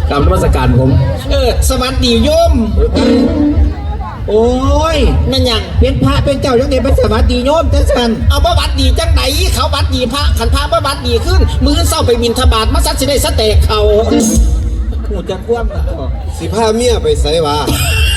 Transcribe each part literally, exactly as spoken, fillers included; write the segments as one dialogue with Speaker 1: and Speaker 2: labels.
Speaker 1: กรรมนมัสการผม
Speaker 2: เออสวัสดีโยม
Speaker 3: โอ้ย
Speaker 2: นั่นยัง
Speaker 3: เป็นพระเป็นเจ้าจังได๋ไปสวัสดีโยมจังซั่น
Speaker 2: เอาบ่บัดดีจังไหนเขาบัดดีพระขันพระบ่บัดดีขึ้นมื้อเช้าไปบิณฑบาตมาซัดสิได้สเต็กเขา
Speaker 3: หูจักความ
Speaker 1: สิพาเมียไปไสวะ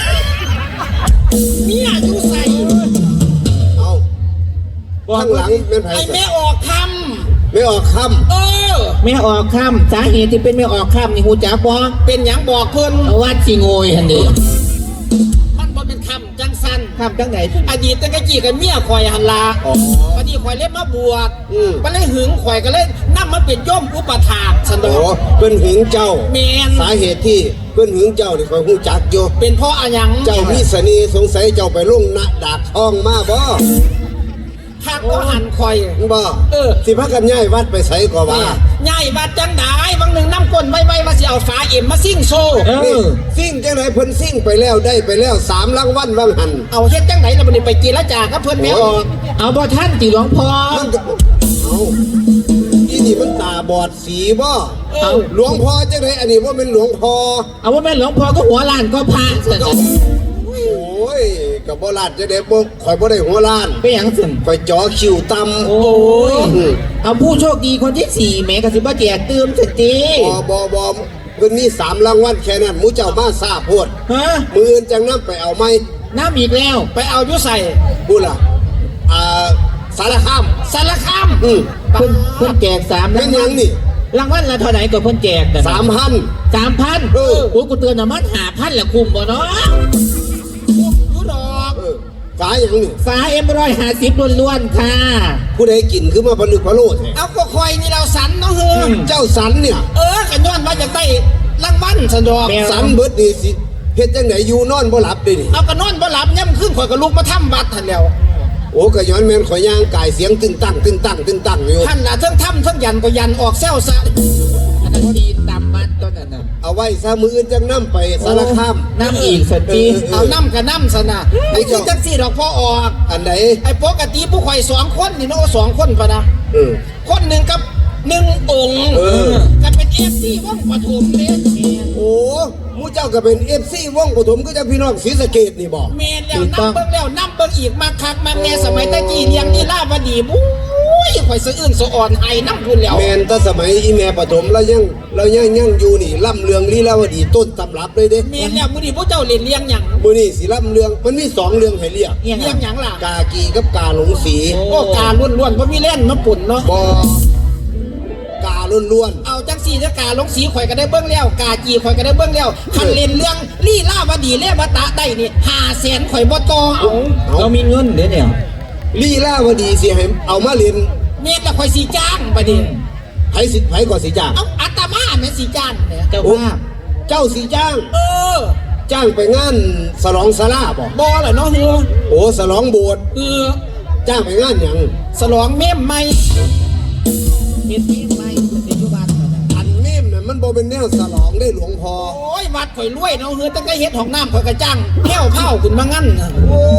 Speaker 2: เมียอยู่ใส่
Speaker 1: เอาข้างหลังแม่นไผ
Speaker 2: ไอ้แม่ออกค
Speaker 1: ำไม่ออกค
Speaker 2: ำเออ
Speaker 3: แม่ออกคำสาเหตุที่เป็นแม่ออกคำนี่หูจักบ่
Speaker 2: เป็นหยังบอกเพิ่น
Speaker 3: วัดสิโงยหั่นดิ
Speaker 2: มันบ่เป็นคำจังซั่น
Speaker 3: คำจังได๋
Speaker 2: อดีตตั้งแต่กี้กับเมียข่อยหั่นล่ะอ๋อบัดนี้ข่อยเล่นมาบวชอือบ่เลยหึงข่อยก็เลยนำมาเป็นโยมอุปถากซั่นดอก
Speaker 1: โอ้เพิ่นหึงเจ้า
Speaker 2: แม่น
Speaker 1: สาเหตุที่เพิ่นหึงเจ้านี่ข่อยฮู้จักอยู่
Speaker 2: เป็นเพราะอะหยัง
Speaker 1: เจ้ามีเสน่ห์สงสัยเจ้าไปลงณดาบทองมาบ่
Speaker 2: ถ้าก็หันข่อย
Speaker 1: บ่
Speaker 2: เออ
Speaker 1: สิพากันย้ายวัดไปไสก็ว่า
Speaker 2: ย้ายวัดจังได๋บางนึงนำก้นไว้ๆว่าสิเอาฝาเอ็มมาซิ่งโซ
Speaker 1: เออซิ่งจังได๋เพิ่นซิ่งไปแล้วได้ไปแล้วสามรางวัลว่างหั่น
Speaker 2: เอาเฮ็ดจังได๋ล่ะบัดนี้ไปกีฬาจากับเพิ่นแม่ออก
Speaker 3: เอาบ่ทันติหลวงพ่อ
Speaker 1: มันก็เอาอีนี่มันตาบอดสีบ่เอาหลวงพ่อจังได๋อันนี้บ่แม่นหลวงพ่อ
Speaker 3: เอาบ่แม่นหลวงพ่อก็หัวล้านก็พระซั่น
Speaker 1: โอ้ยก็บ่ลาดจังได๋บ่ข่อยบ่ได้หัวล้าน
Speaker 3: เป็นหยังซั่น
Speaker 1: ข่อยจ่อคิวต่ำ
Speaker 3: โอ้ยเอาผู้โชคดีคนที่สี่แหมก็สิบ่แจกตื้มซั่นติ
Speaker 1: บ่บ่บ่เพิ่นมีสามรางวัลแค่นั้นหมู่เจ้ามาซ่าโพด
Speaker 3: ฮะ
Speaker 1: มื้ออื่นจังนำไปเอาใหม่
Speaker 3: น้ำอีกแล้ว
Speaker 2: ไปเอาอยู่ใส่
Speaker 1: บุล่ะอ่าสารคาม
Speaker 2: สารคาม
Speaker 1: อือ
Speaker 3: เพิ่นเพิ่นแจกสาม
Speaker 1: รางวัลนี่
Speaker 3: รางวัลละเท่าไหร่ก็เพิ่นแจกกัน
Speaker 1: สามพัน
Speaker 3: สามพันเออโอ้กูเตือนน่ะมัน ห้าพัน ละคุ้มบ่เนาะ
Speaker 2: อยู่ดอก
Speaker 1: เออฝาหยังนี่
Speaker 3: ฝา เอ็ม หนึ่งร้อยห้าสิบ ล้วนๆค่ะ
Speaker 1: ผู้ใดกินคือมาผนึกพะโล้แท้
Speaker 2: เอาก็คอยนี่เราสันเนาะเฮ้อ
Speaker 1: เจ้าสันเนี่ย
Speaker 2: เออกันย้อนว่าจะได้รางวัลซั่นดอก
Speaker 1: สันเบิดนี่สิเฮ็ดจังได๋อยู่นอนบ่หลับเด้นี่
Speaker 2: เอาก็นอนบ่หลับย่ำขึ้นข่อยก็ลุกมาทำวัดหั่นแล้ว
Speaker 1: โอ้ก็ย้อนแม่นข่อยย่างกายเสียงตึงตั้งตึงตั้งตึงตั้งอยู่
Speaker 2: ท่านน่ะเทั้งทำเทั้งยันก็ยันออกแซวซะ
Speaker 3: อันนั้นดีตามบ้านต้นนั้นน่ะ
Speaker 1: เอาไว้ซะมื้ออื่นจังนำไปสารคาม
Speaker 3: น้ำอีกสักที
Speaker 2: เอาน้ำกับน้ำซะนะไอ้ที่จังซี่ดอกพ่อออก
Speaker 1: อันไหน
Speaker 2: ไอ้ปกติผู้ข่อยสองคนนี่เนาะสองคนพะนะ
Speaker 1: เออ
Speaker 2: คนนึงกับหนึ่งองค์เออก็เป็น เอฟ ซี วงปฐมเด้
Speaker 1: โอ้หมู่เจ้าก็เป็น เอฟ ซี วงปฐมก็จะพี่น้องศรีสะเกษนี่บ่
Speaker 2: แม่นแล้วนำเบิ่งแล้วนำเบิ่งอีกมาคักมาแน่สมัยตะกี้เลี้ยงนี่ลาวดีบุ้ยข่อยสะอื้นสะอ่อนให้นำพุ่นแล้ว
Speaker 1: แม่นแต่สมัยอีแม่ปฐมแล้วยังเรายังยังอยู่นี่ล่ำเรืองลีลาวดีต้นตำรับเลยเด้
Speaker 2: แม่นแล้วมื้อนี้พวกเจ้าเล่นเลี้ยงหยัง
Speaker 1: มื้อนี้สิล่ำเรืองมันมีสองเรื่องให้เรียก
Speaker 2: เลี้ยงหยังล่ะ
Speaker 1: กากีกับกาหลงสี
Speaker 2: โอ้กาล้วนๆบ่มีเล่นมาปุ่นเนาะ
Speaker 1: บ่กาล้วน
Speaker 2: ๆเอาจังสี่จะกาลงสีข่อยก็ได้เบิ้งแล้วกาจีข่อยก็ได้เบิ้งแล้วคันเล่นเรื่องลี่ล่าวดีเล่บตะได้นี่ห้าแสนข่อยบ่ต่อเอา
Speaker 3: เรามีเงินเดี๋ยวเนี่ย
Speaker 1: ลี่ล่าวดีสิให้เอามาเล่น
Speaker 2: เม็ดละข่อยสีจ้างบัดนี้
Speaker 1: ไผสิไผก่อนสิจ้าง
Speaker 2: เอาอาตมาแม่สีจ้างเนี่ย
Speaker 3: เจ้าภาพ
Speaker 1: เจ้าสิจ้าง
Speaker 2: เออ
Speaker 1: จ้างไปงานฉลองศาลาบ่
Speaker 2: บ่ล่ะเนาะเฮือ
Speaker 1: โอ้ฉลองโบสถ์
Speaker 2: เออ
Speaker 1: จ้างไปงานหยัง
Speaker 2: ฉลองเมมใหม่
Speaker 3: เฮ็ดเมมใหม่ในยุคบ้าน
Speaker 1: อันเมมน่ะมันบ่เป็นแนวฉลองได้หลวงพ่อ
Speaker 2: โอ้ยวัดข่อยรวยเนาะเฮือตั้งแต่เฮ็ดห้องน้ำข่อยก็จ้างแก้วเผาขึ้นมางั้น
Speaker 1: โอ้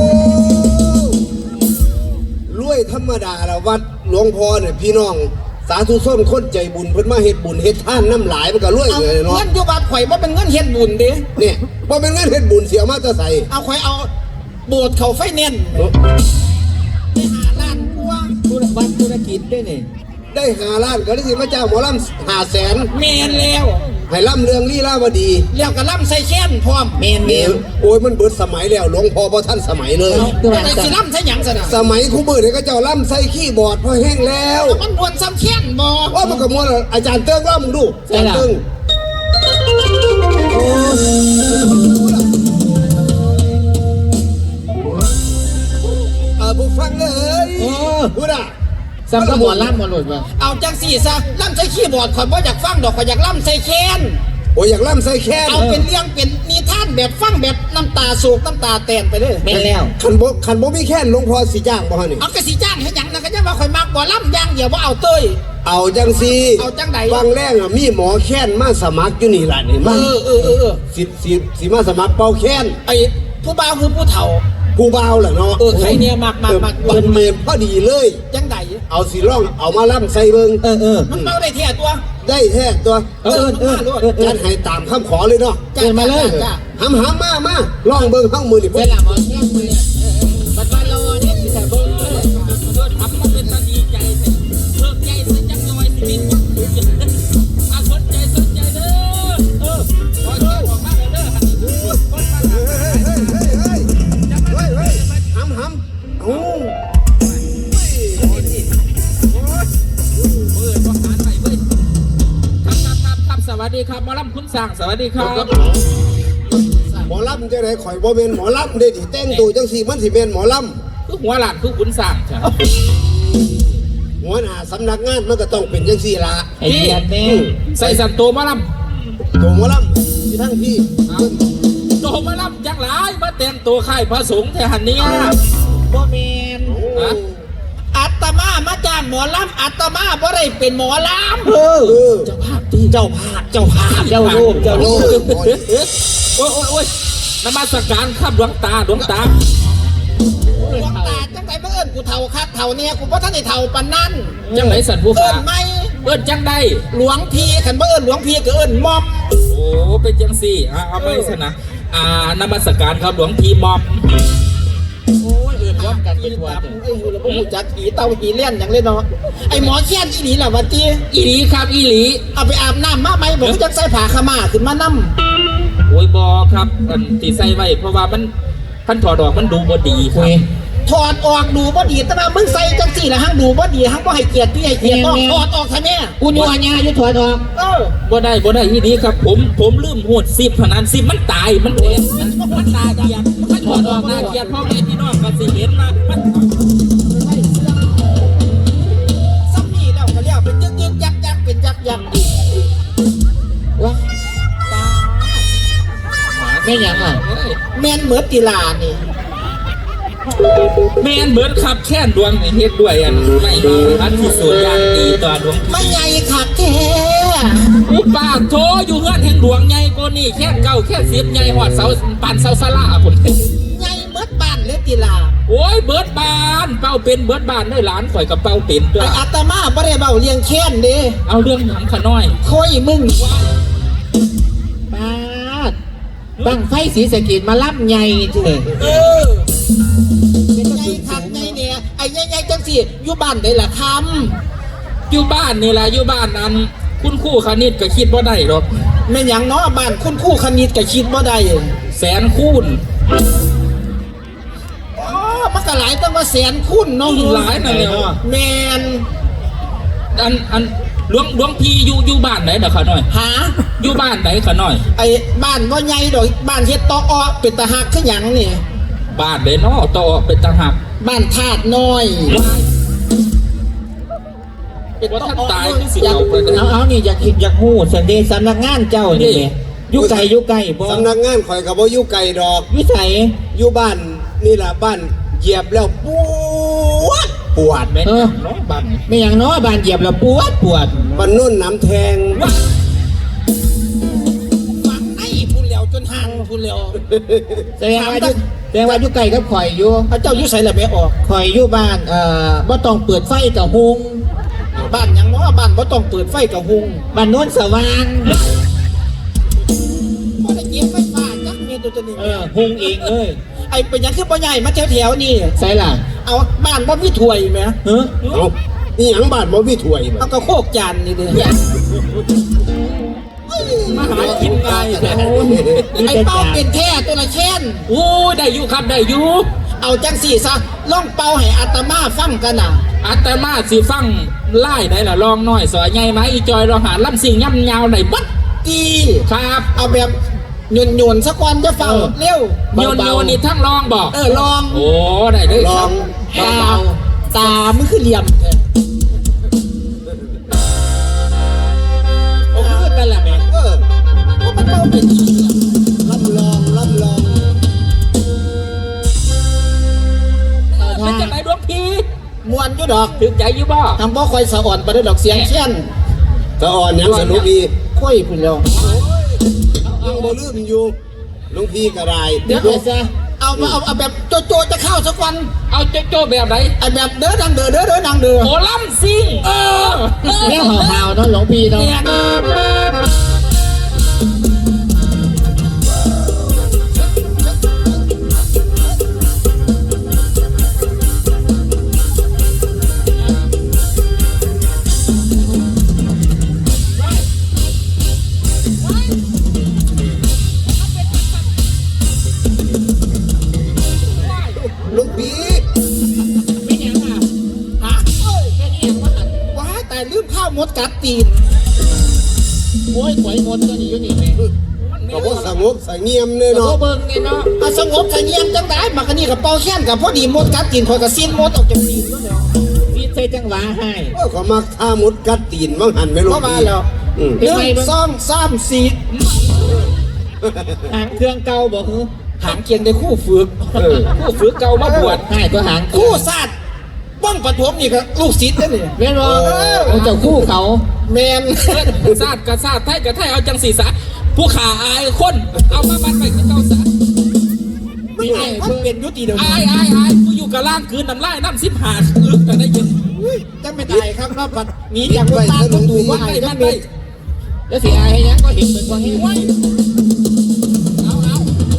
Speaker 1: รวยธรรมดาละวัดหลวงพ่อเนี่ยพี่น้องสาธุชนคนใจบุญเพิ่นมาเฮ็ดบุญเฮ็ดทานน้ำหลายมันก็รวยเลยเนาะ
Speaker 2: เงินอยู่วัดข่อยบ่เป็นเงินเฮ็ดบุญเด้
Speaker 1: เนี่ยบ่เป็นเงินเฮ็ดบุญเสียมาแต่ไส
Speaker 2: เอาข่อยเอาโบสถ์เข้าไฟแนนซ์ได้ห้าล้านกว่า
Speaker 3: ธุรวัดธุรกิจได้นี่
Speaker 1: ได้ห้าล้านก็ได้สิมาจ้างหมอลำห้าแสน
Speaker 2: แม่นแล้ว
Speaker 1: ให้ล่ำเรื่องลีลาวดี
Speaker 2: แล้วก็ล่ำใส่แค้นพร้อม
Speaker 3: แม่นแม่น
Speaker 1: โอ้ยมันเบิดสมัยแล้วหลวงพ่อบ่ทันสมัยเลย
Speaker 2: แต่สิล่ำใส่หยังซะน่ะ
Speaker 1: สมัยคู่มือเนี่ยก็เจ้าล่ำใส่ขี้บอร์ดพอแห้งแล้ว
Speaker 2: มันม่วนซ้ำแค้นบ่
Speaker 1: ว่ามันก็ม่วนอาจารย์เติ้งว่ามึงดูอาจารย์เติ้งเออบุฟังเลยพูดอ่ะ
Speaker 3: ซ้ำก็บ่ล่ำบ่หลุดว่ะ
Speaker 2: เอาจังสี่ซะล่ำใส่ขี้บอร์ดข่อยบ่อยากฟังดอกข่อยอยากล่ำใส่แค้น
Speaker 1: โอ้ยอยากล่ำใส่แค้น
Speaker 2: เอาเป็นเรื่องเป็นนิทานแบบฟังแบบน้ำตาโศกน้ำตาแตนไปเลย
Speaker 3: แม่นแล้ว
Speaker 1: คันบ่คันบ่มีแค้นหลวงพ่อสิจ้างบ่ฮะนี่
Speaker 2: เอาก็สิจ้างให้หยังนะก็จะว่าข่อยมักบ่ล่ำอย่างเดียวบ่เอาเต้ย
Speaker 1: เอาจังซี่
Speaker 2: เอาจังใด
Speaker 1: บางแรกอ่ะมีหมอแค้นมาสมัครอยู่นี่ล่ะนี่มัน
Speaker 2: เออเออเออ
Speaker 1: สิสิสิมาสมัครเป่าแค้น
Speaker 2: ไอ้ผู้บ่าวคือผู้เฒ่า
Speaker 1: ผู้บ่าวล่ะเนาะ
Speaker 2: เออใครเนี่ยมักมักมัก
Speaker 1: เพิ่นเมนพอดีเลย
Speaker 2: จังใด
Speaker 1: เอาสิร้องเอามาล่ำใส่เบิ่ง
Speaker 3: เออเออ
Speaker 2: มันเป่าได้แท้ตัว
Speaker 1: บได้แท้ตัว
Speaker 3: เออเออเออเออเอ
Speaker 1: จั
Speaker 3: อ
Speaker 1: ดให้ตามคำขอเลยเนาะ
Speaker 3: เดินมาเลย
Speaker 2: จ้ะ
Speaker 1: หำหำมามาลองเบิ่งข้างมือนี่
Speaker 3: เวลาหมอแค่มือเนี่ยบัดบาโลเนี่ยสิแต่เบิ้งเลย
Speaker 2: ทำมาเป็นตาดีใจเลิกใจสักจังหน่อยสิบินวัดถูกอาสนใจสนใจเด้อเออขอเชิญออกมาเลยเด้อหันคนมาหา
Speaker 1: เฮ้ยเฮ้ยเฮ้ยเฮ้ยเฮ้ยเฮ้ยหำหำโอ้
Speaker 2: เปิดประหารใหม่เว้ยครับครับครับครับสวัสดีครับหมอลำคุณสั่งสวัสดีครับ
Speaker 1: หมอลำจะไหนข่อยบ่เป็นหมอลำเด้ดิแต่งตัวจังสี่มันสิเป็นหมอล
Speaker 2: คือหัวหลานคือคุณสั่งใช่
Speaker 1: ำหัวหน้าสำนักงานมันก็ต้องเป็นจังสี่ละ
Speaker 3: ไอ้เดียดแน่
Speaker 2: ใส่สันโตหมอล
Speaker 1: ตัวหมอลำที่ทั้งพี่
Speaker 2: ำโตหมอลำจังหลายมาแต่งตัวค่ายพระสงฆ์แทหันเนี้ย
Speaker 3: บ่แมน
Speaker 1: โอ้
Speaker 2: ฮะ อาตมามาจ้างหมอลำอาตมาบ่ได้เป็นหมอลำ
Speaker 3: เออ
Speaker 1: เออ
Speaker 2: เจ้าภาพดีเจ้าภาพเจ้าภาพ
Speaker 3: เจ้าลูกเจ้าลูก
Speaker 2: โอ้ยโอ้ยโอ้ยนมัสการครับหลวงตาหลวงตาหลวงตาจังไหนมาเอิ้นกูเท่าคักเท่าเนี่ยกูบ่ทันได้เท่าปานนั้นจังไหนสันผู้
Speaker 3: เอิ้
Speaker 2: ฟ้าน
Speaker 3: ไหม
Speaker 2: เอิ้นจังได้หลวงพี่ขันบ่เอิ้นหลวงพี่ก็เอิ้นมอมโอ้เป็นจังสี่อ่ะเอาไปซะนะอ่านมัสการครับหลวงพี่มอมโอ้ยเอิ้นว่ากันเป็นว่า
Speaker 3: ไอ้อยู่แล้วบ่ฮู้จักหีเต้าหีเล่นหยังเลยเนาะไอ้หมอแค้นอีหลีล่ะว่าติ
Speaker 2: อีหลีครับอีหลี
Speaker 3: เอาไปอาบน้ำมาไหมบอกว่าจักใส่ผ้าขาวม้าขึ้นมานำ
Speaker 2: โอ้ยบอครับอันที่ใส่ไว้เพราะว่ามันพันถอดออกมันดูบ่ดีครับ
Speaker 3: ถอดออกดูบ่ดีแต่ว่ามึงใส่จังสี่ละหังดูบ่ดีหังบ่ให้เกียรติพี่ให้เกียรติน้องถอดออกซะแม่กูยัวญาอยู่ถอดออกเออ
Speaker 2: บ่ได้บ่ได้อีหลีครับ ผมผมลืมโหดสิบพนันสิบมันตายมันเองมันมันตายเกียรติมันถอดออกน่าเกียรติพ่อแม่พี่น้องก็สิเห็นมามัน
Speaker 3: ซ้ำนี่แล้วก็เรียกเป็นยึกยึกยักยักเป็นยักยักอีกว้าแม่ยังอ่ะแม่นเหมือนกีฬานี่
Speaker 2: แม่นเบิดครับแค่นดวงในเฮ็ดด้วยอันไม่ดีอันที่สุดอย่างดีต่อดวง
Speaker 3: มันใหญ่คักแท้
Speaker 2: อุปาโทอยู่เฮือนแห่งดวงใหญ่กว่านี่แค่เก้าแค่สิบใหญ่หอดเสาปานเสาสลาพุ่น
Speaker 3: ใหญ่เหมือนบ้านเลยกีฬา
Speaker 2: โอ้ยเบิดบานเป้าเป็นเบิดบานได้หลานข่อยกับเป้าเป็นด้ว
Speaker 3: ไอ้
Speaker 2: ย
Speaker 3: อาตมาบ่ได้เว้าเลี้ยงแค้นเด้
Speaker 2: เอาเรื่องหำขะน้อย
Speaker 3: ค่อยมึงปาดบังไฟสีสะเกดมาล่ำใหญ่เถอะ
Speaker 2: เออ
Speaker 3: เป็นไงคักไงเนี่ยไอ้ใหญ่ๆจังสิอยู่บ้านได้ละค
Speaker 2: อยู่บ้านนี่แหละอยู่บ้านนั้น คุณครู่คณิตก็คิดว่าได้หรอก
Speaker 3: ำแม่นหยังเนาะบ้านคุณครู่คณิตก็คิดบ่ได้
Speaker 2: แสนคูณ
Speaker 3: อ๋อมันก็หลายตั้งว่าแสนคุณเนาะ
Speaker 2: หลายนั่นแหละ
Speaker 3: แม่น
Speaker 2: อันอันหลวงหลวงพี่อยู่อยู่บ้านไหนเด้อขะน้อย
Speaker 3: หา
Speaker 2: อยู่บ้านไหนขะน้อย
Speaker 3: ไอ้บ้านบ่ใหญ่ดอกบ้านเฮ็ดตออ้อเป็นตาหักคือหยังนี่
Speaker 2: บ้านไหนเนาะต่อเป็นตาหัก
Speaker 3: บ้านธาตุน้อย
Speaker 2: เป็นว่าท่านตายที่สิ
Speaker 3: อยาก
Speaker 2: เอาไปเลย
Speaker 3: เอาเอานี่อยากอยากฮู้สันเดสำนักงานเจ้านี่แหละอยู่ไกลอยู่ไกลบ่
Speaker 1: สำนักงานข่อยกับว่าอยู่ไกลดอก
Speaker 3: อยู่ไส
Speaker 1: อยู่บ้านนี่แหละบ้านเหยียบแล้วปวดปวด
Speaker 2: แม่นเนาะบ้านนี่
Speaker 3: ไม่หยังเนาะบ้านเหยียบแล้วปวดปวด
Speaker 1: บ้านนุ่นน้ำแทง
Speaker 3: ฟังไอ้พูดแล้วจนห่างพูดแล้วแสดงว่าอยู่แสดงว่าอยู่ไกลกับข่อยอยู่เจ้าอยู่ไสล่ะแม่ออกข่อยอยู่บ้านเอ่อบ่ต้องเปิดไฟกับหุงบ้านหยังเนาะบ้านบ่ต้องเปิดไฟกับหุงบ้านโน้นสว่างบ่ได้เก็บไฟฟ้าจักเม็ดตัวนี้เออหุงเองเอ้ยไอ้เป็นหยังคือบ่ใหญ่มาแถวๆนี่ไสล่ะเอาบ้านบ่มีถ้วยแหมเออ
Speaker 1: เอานี่หยังบ้านบ่มีถ้วยบ่
Speaker 3: เอาก็โคกจานนี่เด้อ
Speaker 2: มาหากินง่ายแต่
Speaker 3: ไอ้เป้าเป็นแท้ตัวละเช่น
Speaker 2: โอ้ยได้อยู่ครับได้อยู่
Speaker 3: เอาจังสี่ซะล่องเป่าให้อาตมาฟังกันน่ะ
Speaker 2: อาตมาสิฟังไล่ได้ละลองน้อยสอยใหญ่ไหมอีจอยเราหาลำสิ่งย่ำยาวไหนบัด
Speaker 3: ตี
Speaker 2: ครับ
Speaker 3: เอาแบบโยนโยนๆสักวันจะฟังเร็ว
Speaker 2: โยนโยนนี่ทั้งลองบอก
Speaker 3: เออลอง
Speaker 2: โอ้ได้เลย
Speaker 1: ล
Speaker 2: ค
Speaker 1: อ
Speaker 2: รั
Speaker 1: ง
Speaker 2: บ
Speaker 3: ตาตามันคือเหลี่ยมโอ้คือกันแหละแม่
Speaker 1: เออ
Speaker 3: เพราะมันเป้าเป็นอีเหลี่ยม
Speaker 1: รับรองรับรอง
Speaker 2: เป็นจังไหนดวงพี่
Speaker 3: มวนอยู่ดอก
Speaker 2: ถึงใจอยู่บ่
Speaker 3: ทำบ่คอยสะอ่อนไปด้วยดอกเสียงเช่น
Speaker 1: ตะอ่อนหยังสนุกดี
Speaker 3: ค่อยพุ่นแล้ว
Speaker 1: ยังบ่ลืมอยู่หลุงพี่ก็ได้
Speaker 3: เดี๋ยวเอาซะเอาเอาเอาเอาแบบโจโจจะเข้าสักวัน
Speaker 2: เอาโจโจ้แบบไหน
Speaker 3: ไอแบบเด้อดังเด้อเด้อเด้อดังเด้อ
Speaker 2: โหลำซิ่งเออ
Speaker 3: แม่ห่าวๆเนาะหลวงพี่เนาะ
Speaker 1: ลูกพี
Speaker 3: ไม่ยังอ่ะฮะแค่นี้เองว่าว้าแต่ลืมข้าวมดกัดตีนโอ้ยหวยมดก็นี่อยู่นี่แม่
Speaker 1: ก็บ่สงบสงเงียมเลย
Speaker 3: เนาะ
Speaker 1: เนาะ
Speaker 3: เบิ่งไงเนาะเอาสงบสงเงียมจังได้มากันนี่กับเป่าแค้นกับพอดีมดกัดตีนคอยกับซีนมดออกจากตีนแล้วเนาะซีนใส่จังหวะให้
Speaker 1: โอ้ยเขามักท่ามุดกัดตีนว่างหันไม่รู้
Speaker 3: เข้ามาแล้ว
Speaker 1: อืม
Speaker 3: หนึ่งสองสามสี่
Speaker 4: หางเครื่องเก่าบอกคือ
Speaker 3: หางเกียงได้คู่ฝึก
Speaker 2: ผู้ฝึกเก่ามาบวช
Speaker 4: ง่ายก็หาง
Speaker 3: คู่ศาสตร์บ้องปฐมนี่ก็ลูกศิษย์นั่นนี่
Speaker 4: แม่นบ่เจ้าคู่เขา
Speaker 3: แมน
Speaker 2: ศาสตร์กับศาสตร์ไทยกับไทยเอาจังสีสะผู้ขาอายคนเอามาบันไปคือเก่าสะ
Speaker 3: ไม่ไงมันเป็นยุติเดียว
Speaker 2: อายอายอายกูอยู่กับล่างคืนน้ำลายน้ำสิบหาลึกแต่ได้ยิน
Speaker 3: จะไม่ตายครับครับปัดนี้จากคนตาต้องดูว่า
Speaker 2: ไอ้
Speaker 3: ไอ้
Speaker 2: มั
Speaker 3: นั่
Speaker 2: น
Speaker 3: น
Speaker 2: ไป
Speaker 3: เป็น
Speaker 4: แล้วสิอายให้ยังก็เห็นเหมือนว่าเฮ้ย
Speaker 2: ไว้เอาเอา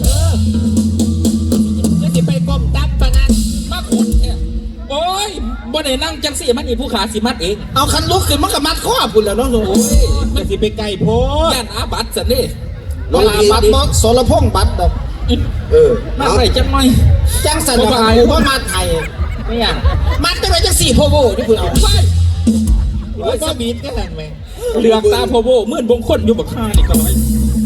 Speaker 4: แล้วสิไปก้มตับปะนั้น
Speaker 2: มาคุณเนี่ยโอ้ยบ่ได้นั่งจังสีมันอีผู้ขาสิมัดเอง
Speaker 3: เอาคันลุกขึ้นมันก็มัดข้อพุ่นแล้วเนาะหนู
Speaker 2: โอ้ย
Speaker 4: แล้วสิไปไก่โพด
Speaker 2: ย่านอาบัตสันนี่
Speaker 3: เวลาบัดบอสรพงษ์บัดดอก
Speaker 1: เออ
Speaker 2: มา
Speaker 1: เอา
Speaker 2: ใส่จังหน่อย
Speaker 3: จังสันดอกกูว่ามัดไทย
Speaker 4: ไม่อยาก
Speaker 3: มัดจะไปจังสี่โพโวที่คุณเอา
Speaker 2: ไป
Speaker 4: โอ้ยก็บีดก็หันไหม
Speaker 2: เหลือกตาโพโบมื่นบงคนอยู่บักข้านี่ก็ร้อย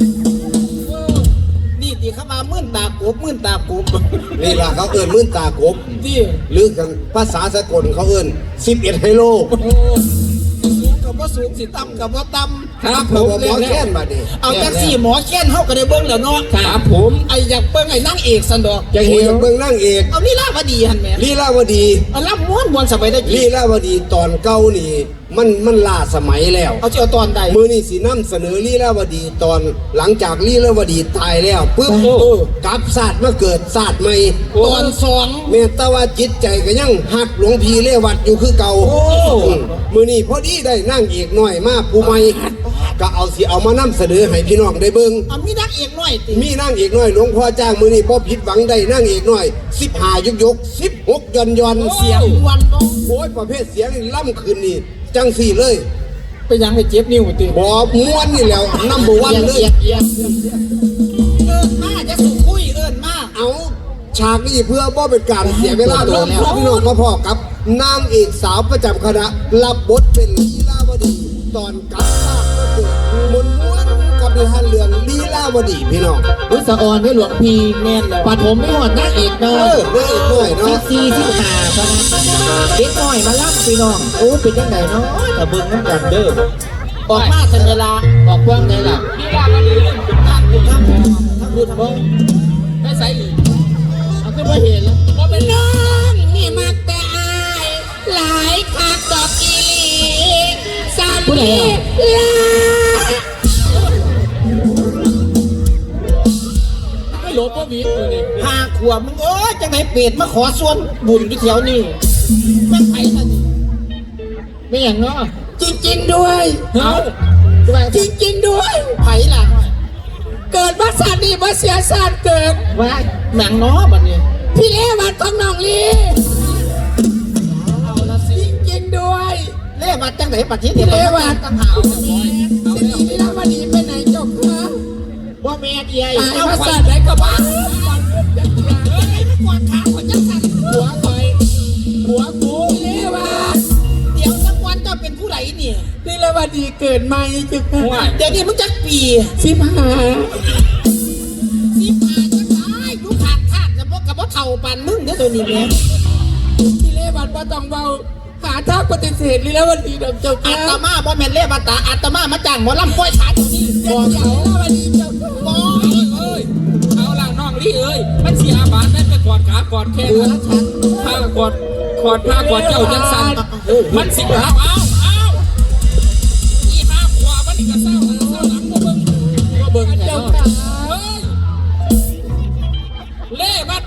Speaker 3: นี่ตีเข้ามามื่นตากบมื่นตากบ
Speaker 1: นี่ล่ะเขาเอิ้นมื่นตากบ
Speaker 3: ที่
Speaker 1: หรือกันภาษาสากลเขาเอิ้นสิบเอ็ดไฮโล
Speaker 3: สูงกับว่าสูงสิต่ำกับว่าต่ำ
Speaker 2: ครับผ
Speaker 1: เขา
Speaker 2: ม
Speaker 1: บอกหมอแค้นบัดนี้
Speaker 3: เอาจังสี่หมอแค้นเฮาก็ได้เบิ่งแล้วเนาะ
Speaker 2: ครับผม
Speaker 3: ไอ้อยากเบิ่งไอ้นางเอกสันดอก
Speaker 4: จะ
Speaker 1: โอ้
Speaker 4: เห็
Speaker 1: ย
Speaker 4: น
Speaker 1: เบิ่งนั่งเอก
Speaker 3: เอานี่ล่าพอดีหันแหม่
Speaker 1: ลีลาวดี
Speaker 3: เอาล่ำม้วนมวนสบายได้จี
Speaker 1: ลีลาวดีตอนเก่านี่ มันมันล้าสมัยแล้ว
Speaker 3: เอาเจ้าตอนใด
Speaker 1: มือนี่สีน้ำเสนอลีลาวดีตอนหลังจากลีลาวดีตายแล้วปุ๊บ
Speaker 2: โอ้
Speaker 1: กลับศาสตร์มาเกิดศาสตร์ใหม่
Speaker 3: ตอนสอง
Speaker 1: เมตตาว่าจิตใจก็ยังหักหลวงพี่เลวัดอยู่คือเก่า
Speaker 3: โอ้
Speaker 1: อืมมือนี่พอดีได้นั่งเอกหน่อยมาผู้ใหม่ก็เอาสิเอามานำเสนอให้พี่น้องได้เบิ่ง
Speaker 3: เอามีนางเอกหน่อยติ
Speaker 1: มีนั่งเอกหน่อยหลวงพ่อจ้างมือนี่พ่ผิดหวังได้นั่งเอกหน่อยสิบห้ายกยกสิบหกยอนยอน
Speaker 3: เสียงมวนเนาะ
Speaker 1: โอ้ยประเภทเสียงนี่ล่ำคืนนี่จังสี่เลย
Speaker 3: ไปยังไปเจ็บนิ้วติ
Speaker 1: บอม้วนนี่แหล้วน้ำบวันเลย
Speaker 4: เอียงเอียง
Speaker 3: เอิ้นมาจะสุคุยเอิ้นมา
Speaker 1: เอาฉากนี้เพื่อบ่เป็นการเสียเวลาเริ่มพบพี่น้องมาพ่อกับนางเอกสาวประจำคณะรับบทเป็นลีลาวดี ตอนกลับบ้านก็เกิดมนม้วนกับนิทานเรื่องลีลาวดีพี่น้อง
Speaker 4: วิสาออนได้หลวงพี่แม่นปฐมไม่หอดนักเอก
Speaker 1: เอ
Speaker 4: เนาะ
Speaker 1: อนางเอกหน่อย
Speaker 4: สิ
Speaker 1: เนาะ
Speaker 4: บสี่สิบห้าปะนั้นเด็กน้อยมาล่ำพี่น้องโอ้เป็นจังไงเนาะแต่เบิ่งน้ำกันเด้อ
Speaker 3: ออกมาทันเวลา
Speaker 4: ออกกว้างได้ล่ะ
Speaker 2: พี่ว่ามันลืม
Speaker 3: ท่านผู้ทำท่านผู้ทำ
Speaker 4: บ่
Speaker 2: ไม่ใส่อีก
Speaker 4: เอาขึ้นมาเห็นแล้ว
Speaker 2: บ่เป็นน้อง
Speaker 4: นี่มักแต่อายหลายคักดอกกีลีสามีลาไม่หลบก็มีอยู่นี่
Speaker 3: ห้าขวบมึงเอ้ยจังไหนเป็ดมาขอส่วนบุญที่แถวนี้แม่งไผนั่นนี่
Speaker 4: ไม่อย่างเนาะ
Speaker 3: จริงๆด้วย
Speaker 4: เฮ้า
Speaker 3: จริงๆด้วยไผล่ะ
Speaker 4: เกิดมาสัตว์นี่มาเสียสัตว์เกิด
Speaker 3: ว่าแหม่งน้อบัดนี้
Speaker 4: พี่เลวัดของน้องลี
Speaker 3: เอาละสิ
Speaker 4: จริงๆด้วย
Speaker 3: เล่บัดจังไหนปัดที่
Speaker 4: พี่เลวัด
Speaker 3: ตั้งหา
Speaker 4: สินีนี่แล้ววันนี้ไปไหนจบคะ
Speaker 3: ว่าแม่เดีย
Speaker 4: ตายมาสัตว์ไหนก็บ้า
Speaker 3: กวาดขาคนจังสัน
Speaker 4: หัวคอยหัวกูพี่เลวัด
Speaker 3: เดี๋ยวสักวันเจ้าเป็นผู้ใดเนี่ย
Speaker 4: พี่เลวัดดีเกิดใหม่จุก
Speaker 2: ว่า
Speaker 3: เดี๋ยวนี้มึงจักปี
Speaker 4: สิบห้า
Speaker 3: สิบห้าจังไดดูขาดขาดกับพวกกับพวกเท่าปานมึงเดี๋ยวตัวนี้แม่
Speaker 4: พี่เลวัดว่าต้องเบาหาทางปฏิเสธนี่แล้ววันนี้ดอกเจ้า
Speaker 3: อา
Speaker 4: ค่ะ
Speaker 3: ตมาบ่แม่นเล่บัตตาอาตมามาจ้างหมอลำป้อยขาตัวนี้
Speaker 4: บอกเขาแล้ววันนี้เจ้าค่ะ
Speaker 3: บ่
Speaker 2: เอ้ยเอาล่ะน้องลี่เอ้ยมันเสียบาทแม่ไปกอดขากอดแค่นั้นผ้ากอดกอดผ้ากอดเจ้าจังสันมันสิเอาเอาเอาอีห้าขวามันนี่ก็เศร้าเศร้าหลังบ่เบิ่ง
Speaker 4: ก็เบิ่งแต่
Speaker 2: เจ้า
Speaker 4: เนาะ
Speaker 2: ค่ะเฮ้ยเล่บัดพอ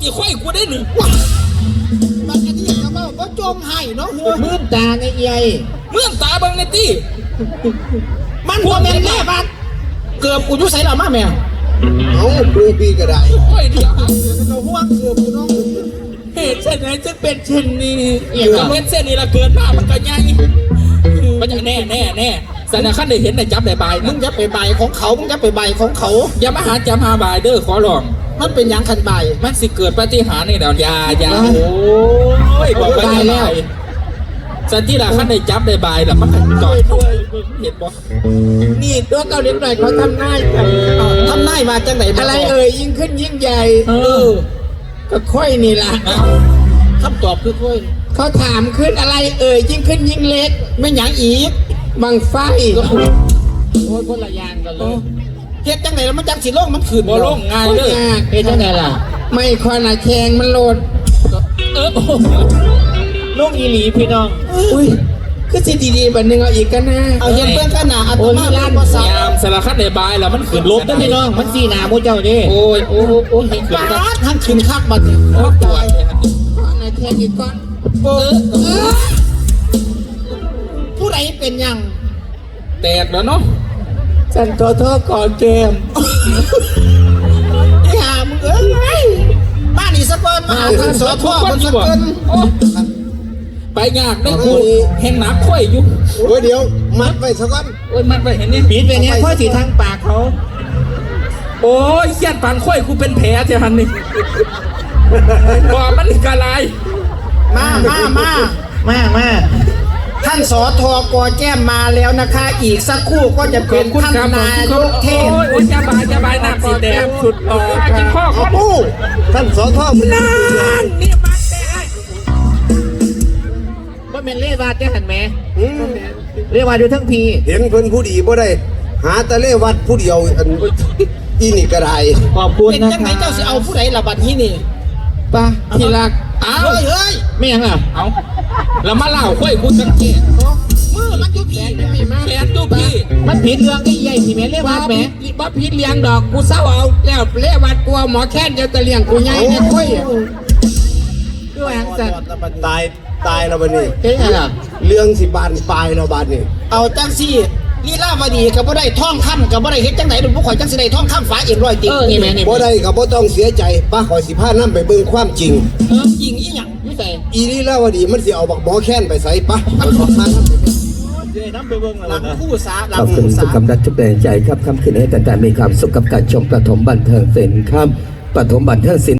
Speaker 2: ตีค่อยกูได้หนึ่ง
Speaker 3: บางอันนี้ก็ว่าบ่จมให้เนาะหัว
Speaker 4: มืดตาในใหญ่
Speaker 2: เมื่อตาเบังในตี
Speaker 3: มันบ่แม่นแม่บ้านเกือบกูอยู่ไสล่ะมาแม่
Speaker 1: เอาปูปีก็ได้
Speaker 2: ค่อยเดียว
Speaker 3: เราห่วงเกือบกูน้อง
Speaker 2: เหตุเช่นไหนจึงเป็นเช่นนี้
Speaker 4: เอี่ย
Speaker 2: เกิดเป็นเส้นนี้ละเกินมามันก็ยังมันจะแน่แน่แน่สันขั้นได้เห็นได้จับได้บาย
Speaker 3: มึ
Speaker 2: มึ
Speaker 3: ง
Speaker 2: ง
Speaker 3: จะไปใบของเขามึงจะไปใบของเขา
Speaker 2: อย่ามาหาจำหาบายเด้อขอร้อง
Speaker 3: มันเป็นหยังคันใบ
Speaker 2: มันสิเกิดปาฏิหาริย์นี่เดี๋ยวยายาโอ้ยบอกไปแล้วสันที่ละขั้นได้จับได้บายแล้วมันก็ก่อนเห็นบ่
Speaker 4: นี่ตัวเกาหลีหน่อยเขาทำหน้ากัน
Speaker 3: ทำนายมาจังไหน
Speaker 4: อะไรเอ่ยยิ่งขึ้นยิ่งใหญ่
Speaker 2: เออ
Speaker 4: ก็ค่อยนี่ล่ะ
Speaker 3: คำตอบคือค่อย
Speaker 4: เขาถามขึ้นอะไรเอ่ยยิ่งขึ้นยิ่งเล็ก
Speaker 3: ไม่หยังอีก
Speaker 4: บังไฟโอ้ยคนละอยางกันเลย
Speaker 3: เฮ็ดจังไหนแล้วมันจังสิโลกมันขืน
Speaker 2: บ่ลงง่ายเลย
Speaker 4: เฮ้ยจังไงล่ะ ไม่คอนาแขงมันโหลด
Speaker 2: เออโอ้โห
Speaker 4: ลงอีหลีพี่น้องอุ้ยคือสิดีๆบันหนึงเอาอีกกันนะ
Speaker 3: เอาเฮ็ดเบื้องขนาดอัต
Speaker 4: โอ้ย
Speaker 3: มา
Speaker 4: ล้าน
Speaker 3: ภาษาย
Speaker 2: ามสารคัดได้บายแล้วมันขึ้นลบ
Speaker 4: ลบ
Speaker 2: ได้
Speaker 4: ได้
Speaker 2: พี่
Speaker 4: พี่
Speaker 2: น้
Speaker 4: น้
Speaker 2: อ
Speaker 4: อง งมันสีหนามูเจ้าดิ
Speaker 2: โอ้ยโอ้โหโอ้ยขึ้น
Speaker 3: ปา
Speaker 2: ได้
Speaker 3: ดทั้งขืนคักบัดนี้
Speaker 2: โอ้ปวด
Speaker 4: คอนาแขงอีกก้อน
Speaker 2: เออ
Speaker 3: ผู้ใดเป็นหยัง
Speaker 2: แตกแล้วเนาะ
Speaker 4: สันโตโทษก่อนเกม
Speaker 3: ไอ้ห่ามึงเอ้ยบ้านนี่สะกอนมาหาทางสอทอมันสะกอน
Speaker 2: โอ้ไปยากได้กูแห่งหนักค่อยอยู่
Speaker 1: โอ้ยเดี๋ยวมัดไว้สักก่อน
Speaker 2: โอ้ยมันไปเห็นนี่
Speaker 4: ปิดไปเนี้ยเพราะสีทางปากเขา
Speaker 2: โอ้ยเสียดปานค่อยกูเป็นแผลเจ้าหันนี่บ่มันกะลาย
Speaker 3: มามามา
Speaker 4: มามา
Speaker 3: ท่านสอทอกอแก้มมาแล้วนะคะ อีกสักครู่ก็จะเป็นท่านนายกเทศ
Speaker 2: โอ้ยโอ้ยจะบายจะบายน้ำสีแดงสุดต่อกินข้อคน
Speaker 1: โอ้ท่านสอทอมัน
Speaker 2: นั่นนี่มันแต่
Speaker 4: ว่าเป็นเล่วาดจะหันไหม
Speaker 1: อืม
Speaker 4: เล่วาดอยู่ทั้งพี
Speaker 1: เห็นเพิ่นผู้ดีบ่ได้ หาแตะเลวัดผู้เดียวอันอีนี่ก็ได้
Speaker 4: ขอบคุณ
Speaker 3: เป็น
Speaker 4: นะ
Speaker 3: จังไหน
Speaker 4: คะ
Speaker 3: เจ้าสิเอาผู้ใดละบัดนี้นี่
Speaker 4: ป้าที่รัก
Speaker 2: เอา
Speaker 3: เฮ้ยเฮ้ย
Speaker 4: ไม่ยังอ่ะ
Speaker 2: เอาแล้วมาเล่าค่อยกูสังเกต
Speaker 3: มือมันอยู่ผีนะพี่มา
Speaker 2: แขนดูพี่
Speaker 4: มันผิดเรื่องที่ใหญ่สิแม่เล่วาดแหม
Speaker 5: บ่ผิดเลี้ยงดอกกูเศร้าเอาแล้วเลี้ยวัดกลัวหมอแค้นจะตะเลี้ยงกูใหญ่เนี่ยคุย
Speaker 4: ด้วยอังสัน
Speaker 1: ตายตายแล้วบัดนี้
Speaker 4: เจ๊ไงล่ะ
Speaker 1: เรื่องสิบานปลายแล้วบัดนี้
Speaker 3: เอาจังซี่ลีลาวดีก็บ่ได้ท่องคำก็บ่ได้เฮ็ดจังไหนหรือพวกข่อยจังสิได้ท่องคำฝาเอ็นร้อยติ
Speaker 4: เออนี่แม่นี่
Speaker 1: บ่ได้ก็บ่ต้องเสียใจป้าขอยสิพานํไปเบิ่งความจริง
Speaker 3: เออยิงอีหยัง
Speaker 4: ไม่ใส่
Speaker 1: อีนี่แล้วว่าดีมันสิเอาบักหมอแค้นไปใส่ปะขอยขอพานํไปเบิ่ง
Speaker 3: หลังคู่สาหลั
Speaker 6: ข
Speaker 3: ง
Speaker 6: อบคุณ
Speaker 3: คู่
Speaker 6: ทุ
Speaker 3: สาก
Speaker 6: กำลังทุกแรงใจครับค่ำคืนให้แต่แต่มีความสุขกับการชมปฐมบันเทิงศิลป์ครับปฐมบันเทิงศิลป์